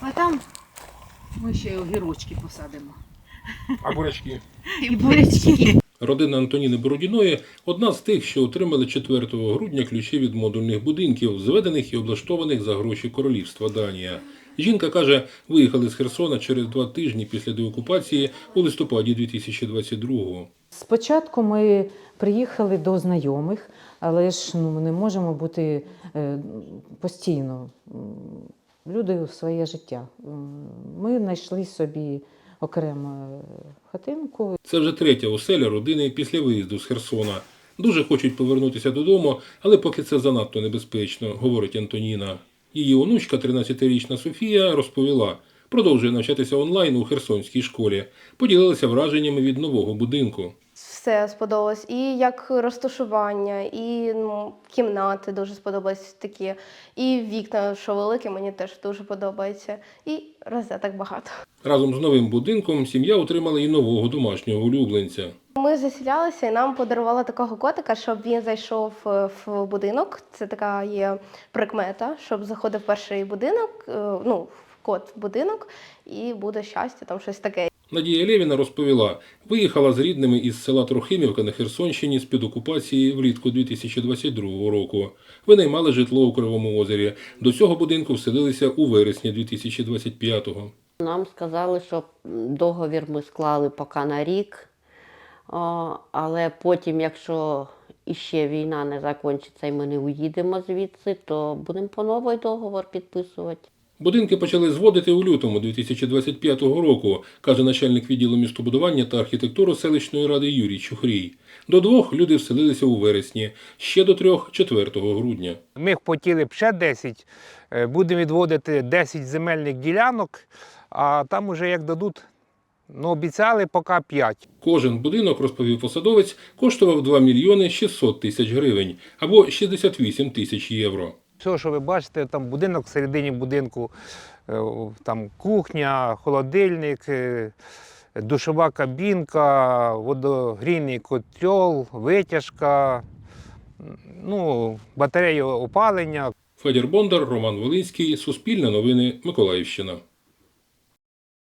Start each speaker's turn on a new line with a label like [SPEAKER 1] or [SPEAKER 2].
[SPEAKER 1] А там ми ще огірочки посадимо.
[SPEAKER 2] А бурячки?
[SPEAKER 1] І бурячки.
[SPEAKER 2] Родина Антоніни Бородіної – одна з тих, що отримали 4 грудня ключі від модульних будинків, зведених і облаштованих за гроші Королівства Данія. Жінка каже, виїхали з Херсона через 2 тижні після деокупації у листопаді 2022-го.
[SPEAKER 3] Спочатку ми приїхали до знайомих, але ж ми не можемо бути постійно. Люди своє життя. Ми знайшли собі окрему хатинку.
[SPEAKER 2] Це вже 3-я оселя родини після виїзду з Херсона. Дуже хочуть повернутися додому, але поки це занадто небезпечно, говорить Антоніна. Її онучка, 13-річна Софія, розповіла, продовжує навчатися онлайн у Херсонській школі. Поділилася враженнями від нового будинку.
[SPEAKER 4] Все сподобалось. І як розташування, і кімнати дуже сподобались такі, і вікна, що великі, мені теж дуже подобається. І розеток багато.
[SPEAKER 2] Разом з новим будинком сім'я отримала і нового домашнього улюбленця.
[SPEAKER 4] Ми заселялися і нам подарували такого котика, щоб він зайшов в будинок. Це така є прикмета, щоб заходив перший будинок, кот в будинок, і буде щастя, там щось таке.
[SPEAKER 2] Надія Лєвіна розповіла, виїхала з рідними із села Трохимівка на Херсонщині з-під окупації влітку 2022 року. Винаймали житло у Кривому Озері. До цього будинку вселилися у вересні 2025-го.
[SPEAKER 5] Нам сказали, що договір ми склали поки на рік, але потім, якщо іще війна не закінчиться і ми не уїдемо звідси, то будемо по новий договор підписувати.
[SPEAKER 2] Будинки почали зводити у лютому 2025 року, каже начальник відділу містобудування та архітектури селищної ради Юрій Чухрій. До 2 люди вселилися у вересні, ще до 3 – 4 грудня.
[SPEAKER 6] Ми хотіли б ще 10, будемо відводити 10 земельних ділянок, а там уже як дадуть, обіцяли поки 5.
[SPEAKER 2] Кожен будинок, розповів посадовець, коштував 2 мільйони 600 тисяч гривень або 68 тисяч євро.
[SPEAKER 6] Все, що ви бачите, там будинок, всередині будинку, там кухня, холодильник, душова кабінка, водогрійний котел, витяжка, батарея опалення.
[SPEAKER 2] Федір Бондар, Роман Волинський, Суспільне новини, Миколаївщина.